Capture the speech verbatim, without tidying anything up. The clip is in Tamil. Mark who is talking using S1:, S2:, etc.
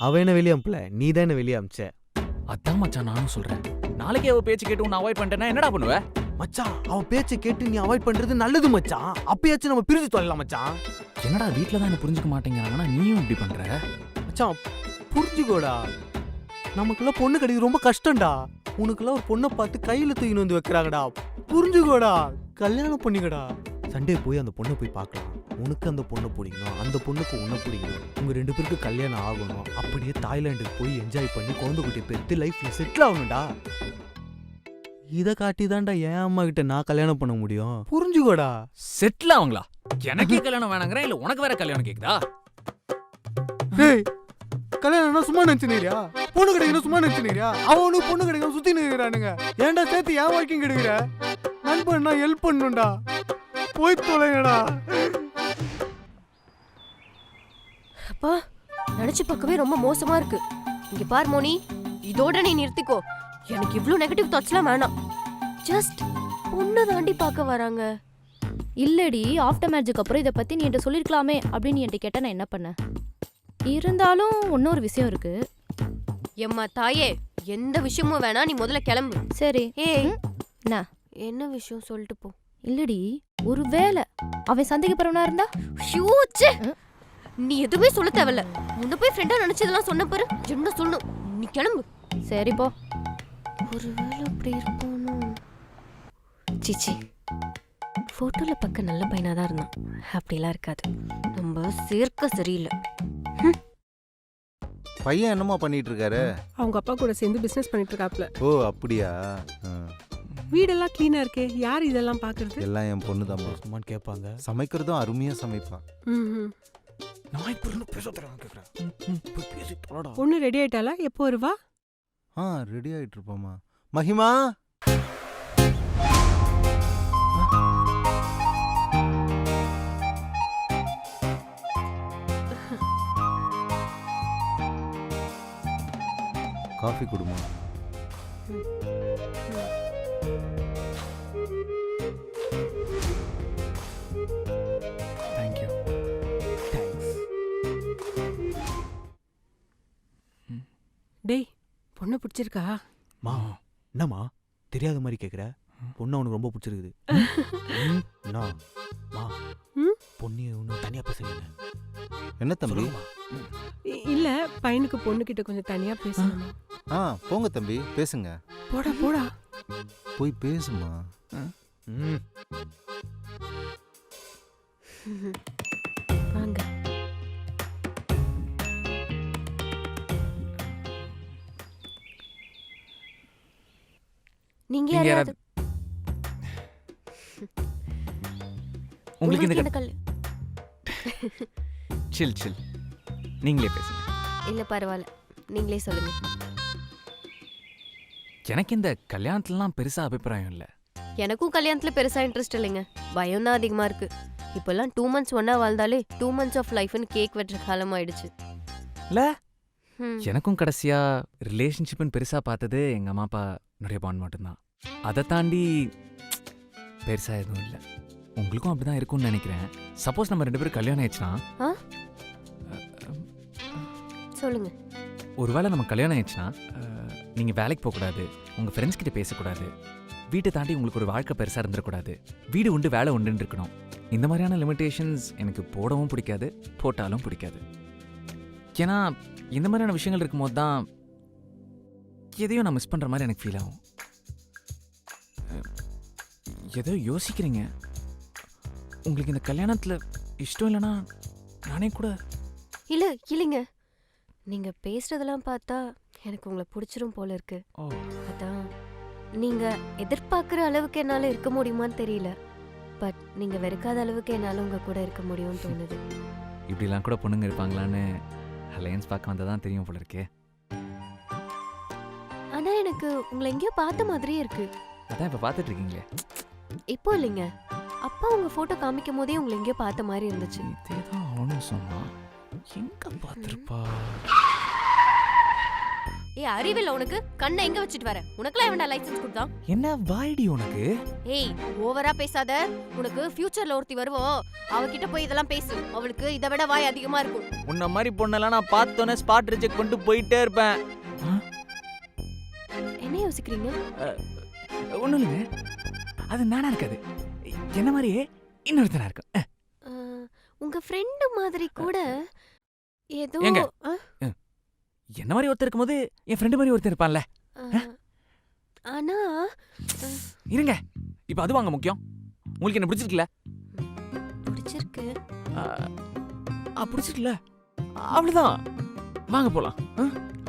S1: அவ என்ன வெளியே அனுப்பல, நீ தான் என்ன வெளியே அனுப்பிச்ச.
S2: அதான் மச்சான் நானும் சொல்றேன். நாளைக்கே அவ பேச்சு கேட்டு உன்னை அவாய்ட் பண்ணிட்டேன்னா என்னடா பண்ணுவ?
S1: மச்சான் அவ பேச்சை கேட்டு நீ அவாய்ட் பண்றது நல்லது மச்சான். அப்பயாச்சும் நம்ம பிரிஞ்சு தொலைலாம் மச்சான்.
S2: என்னடா வீட்டுல தான் என்ன புரிஞ்சுக்க மாட்டேங்கிறாங்கன்னா நீயும் இப்படி பண்ற?
S1: மச்சான் புரிஞ்சுக்கோடா, நமக்குள்ள பொண்ணு கிடைக்கிறது ரொம்ப கஷ்டம்டா. உனக்குள்ள ஒரு பொண்ணை பார்த்து கையில தூக்கின்னு வந்து வைக்கிறாங்கடா. புரிஞ்சுக்கோடா, கல்யாணம் பண்ணிக்கடா. சண்டே போய் அந்த பொண்ணை போய் பார்க்கலாம். உனக்கு அந்த பொண்ணை பிடிக்கணும், அந்த பொண்ணுக்கு உன்னை பிடிக்கணும், உங்க ரெண்டு பேருக்கு கல்யாணம் ஆகணும். அப்படியே தாய்லாண்டுக்கு போய் என்ஜாய் பண்ணி குழந்தை குட்டியை பெற்று லைஃப்ல செட்டில் ஆகணும்டா. இதை காட்டி தான்டா என் அம்மா கிட்ட நான் கல்யாணம் பண்ண முடியும். புரிஞ்சுக்கோடா.
S2: செட்டில் ஆகுங்களா? எனக்கே கல்யாணம் வேணாங்கிறேன், இல்ல உனக்கு வேற கல்யாணம் கேக்குதா?
S1: டேய், கல்யாணம்னா சும்மா நினைச்சுனியா? பொண்ணு கிடைக்கணும் சும்மா நினைச்சுனியா? அவனுக்கு பொண்ணு கிடைக்கணும் சுத்தி நிற்கிறானுங்க. ஏன்டா சேர்த்து ஏன் வாழ்க்கையும் கிடைக்கிற? நண்பன்னா ஹெல்ப் பண்ணுண்டா. போய் தொலைங்கடா.
S3: அப்பா நினைச்சு பார்க்கவே ரொம்ப மோசமா இருக்கு. இங்க பார் மோனி, இதோட நீ நிறுத்திக்கோ. எனக்கு இவ்ளோ நெகட்டிவ் தாட்ஸ்லாம் வேணாம். ஜஸ்ட் பொண்ணு தாண்டி பார்க்க வராங்க.
S4: இல்லடி, ஆஃப்டர் மேரேஜுக்கு அப்புறம் இதை பத்தி நீ என்கிட்ட சொல்லிருக்கலாமே அப்படின்னு என்கிட்ட கேட்டா நான் என்ன பண்ணேன்? இருந்தாலும் இன்னொரு விஷயம் இருக்கு.
S3: எம்மா தாயே, எந்த விஷயமும் வேணா, நீ முதல்ல கிளம்பு.
S4: சரி.
S3: ஏய்
S4: என்ன
S3: என்ன விஷயம் சொல்லிட்டு போ.
S4: இல்லடி, ஒரு வேளை அவன் சந்தேகப்படுறவனா இருந்தா?
S3: ஷூச்சே, நீ எதுவுமே சொல்ல தேவையில்ல. முன்ன போய் ஃப்ரெண்டா நினைச்சதெல்லாம் சொன்ன பாரு. என்ன சொல்லணும், நீ கிளம்பு.
S4: சரி போ.
S3: ஒருவேளை அப்படி இருப்பானோ? சிச்சி, போட்டோல பக்க நல்ல பையனா தான் இருந்தான். அப்படிலாம் இருக்காது. நம்ம சேர்க்க சரியில்லை.
S5: பையன் என்னமா பண்ணிட்டு இருக்காரு?
S6: அவங்க அப்பா கூட சேர்ந்து பிசினஸ் பண்ணிட்டு இருக்காப்ல.
S5: ஓ அப்படியா?
S6: வீடெல்லாம் கிளீனா இருக்கே, யார் இதெல்லாம் பாக்குறது?
S5: எல்லாம் என் பொண்ணு தான்.
S1: சும்மான்னு கேட்பாங்க.
S5: சமைக்கிறதும் அருமையா சமைப்பா.
S1: நான் இப்ப இருந்து பேச தரேன் கேக்குறேன். பேசி தொலைடா.
S6: பொண்ணு ரெடி ஆயிட்டாளா? எப்போ வருவா?
S5: ஆ ரெடி ஆயிட்டு இருப்போமா. மகிமா, காஃபி குடுமா.
S2: தேங்க்யூ.
S1: தேங்க்ஸ்.
S6: டேய், பொண்ணு பிடிச்சிருக்கா?
S1: மா என்னம்மா தெரியாத மாதிரி கேக்குற? பொண்ணு அவனுக்கு ரொம்ப பிடிச்சிருக்குது. என்ன மா பொண்ணு ஒன்றும் தனியா பேசுறீங்க?
S5: என்ன தம்பி?
S6: இ- இல்ல, பையனுக்கு பொண்ணு கிட்ட கொஞ்சம் தனியா பேசணும்.
S5: ஆ போங்க தம்பி, பேசுங்க.
S6: போடா போடா.
S5: போய் பேசுமா.
S1: ம்
S3: வாங்க. நீங்க
S2: நீங்க
S3: யாராவது
S2: உங்களுக்கு இந்த
S3: என்ன கல்
S2: சில் சில் நீங்களே பேசுங்க.
S3: இல்ல பரவாயில்ல, நீங்களே சொல்லுங்க.
S2: எனக்கு இந்த கல்யாணத்துலலாம் பெருசா அபிப்பிராயம் இல்லை.
S3: எனக்கும் கல்யாணத்துல பெருசா இன்ட்ரெஸ்ட் இல்லைங்க. பயம் தான் அதிகமா இருக்கு. இப்பெல்லாம் டூ மந்த்ஸ் ஒன்னா வாழ்ந்தாலே டூ மந்த்ஸ் ஆஃப் லைஃப்னு கேக் வெட்டுற காலம் ஆயிடுச்சு.
S2: இல்ல
S3: ம்.
S2: எனக்கும் கடைசியா ரிலேஷன்ஷிப்னு பெருசா பார்த்தது எங்க அம்மா அப்பா நிறைய பாண்ட் மட்டும்தான். அதை தாண்டி பெருசா எதுவும் இல்லை. உங்களுக்கும் அப்படிதான் இருக்கும்னு நினைக்கிறேன். சப்போஸ் நம்ம ரெண்டு பேரும் கல்யாணம் ஆயிடுச்சுன்னா,
S3: ஆ? சொல்லுங்க.
S2: ஒருவேளை நம்ம கல்யாணம் ஆயிடுச்சுன்னா நீங்கள் வேலைக்கு போகக்கூடாது, உங்கள் ஃப்ரெண்ட்ஸ் கிட்ட பேசக்கூடாது, வீட்டை தாண்டி உங்களுக்கு ஒரு வாழ்க்கை பெருசாக இருந்துடக்கூடாது, வீடு உண்டு வேலை உண்டுன்னு இருக்கணும். இந்த மாதிரியான லிமிட்டேஷன்ஸ் எனக்கு போடவும் பிடிக்காது, போட்டாலும் பிடிக்காது. ஏன்னா இந்த மாதிரியான விஷயங்கள் இருக்கும்போது தான் எதையும் நான் மிஸ் பண்ணுற மாதிரி எனக்கு ஃபீல் ஆகும். ஏதோ யோசிக்கிறீங்க. உங்களுக்கு இந்த கல்யாணத்தில் இஷ்டம் இல்லைன்னா நானே கூட.
S3: இல்ல இல்லைங்க, நீங்க பேசுறதெல்லாம் பார்த்தா எனக்கு உங்களை பிடிச்சிரும் போல இருக்கு.
S2: ஓ
S3: அதான் நீங்க எதிர்பார்க்குற அளவுக்கு என்னால இருக்க முடியுமான்னு தெரியல. பட் நீங்க வெறுக்காத அளவுக்கு என்னால உங்க கூட இருக்க முடியும்னு தோணுது.
S2: இப்படிலாம் கூட பொண்ணுங்க இருப்பாங்களான்னு அலையன்ஸ் பார்க்க வந்தால் தான் தெரியும் போல இருக்கே.
S3: ஆனா எனக்கு உங்களை எங்கேயோ பார்த்த மாதிரியே இருக்கு.
S2: அதான் இப்போ பார்த்துட்டு இருக்கீங்களே.
S3: இப்போ இல்லைங்க, அப்பா உங்க போட்டோ காமிக்கும் போதே உங்களை எங்கேயோ பார்த்த மாதிரி இருந்துச்சு.
S2: இதே தான் அவனும் சொன்னான். எங்க பார்த்துருப்பா?
S3: ஏய் அறிவில்ல உனக்கு? கண்ணை எங்க வச்சிட்டு வர? உனக்குலாம் எவன்டா லைசென்ஸ் கொடுத்தான்?
S2: என்ன வாய்டி உனக்கு?
S3: ஏய் ஓவரா பேசாத. உனக்கு ஃபியூச்சர்ல ஒருத்தி வருவோம், அவகிட்ட போய் இதெல்லாம் பேசு. அவளுக்கு இதை விட வாய் அதிகமா இருக்கும்.
S2: உன்ன மாதிரி பொண்ணெல்லாம் நான் பார்த்தோன்னே ஸ்பாட் ரிஜெக்ட் பண்ணிட்டு போயிட்டே இருப்பேன்.
S3: என்ன யோசிக்கிறீங்க?
S2: ஒன்றும் இல்லைங்க, அது நானா இருக்காது, என்ன மாதிரியே இன்னொருத்தனா இருக்கும்.
S3: அஹ், உங்க ஃப்ரெண்டு மாதிரி கூட ஏதோ
S2: ஏங்க?
S3: அஹ்,
S2: என்ன மாதிரி ஒருத்தர் இருக்கும்போது என் ஃப்ரெண்டு மாதிரி ஒருத்தர் இருப்பான்ல.
S3: அஹ், ஆனா
S2: இருங்க, இப்போ அது வாங்க முக்கியம். உங்களுக்கு என்ன பிடிச்சிருக்குல்ல?
S3: பிடிச்சிருக்கு.
S2: ஆ, பிடிச்சிருக்குல்ல, அவ்வளோதான், வாங்க போலாம்.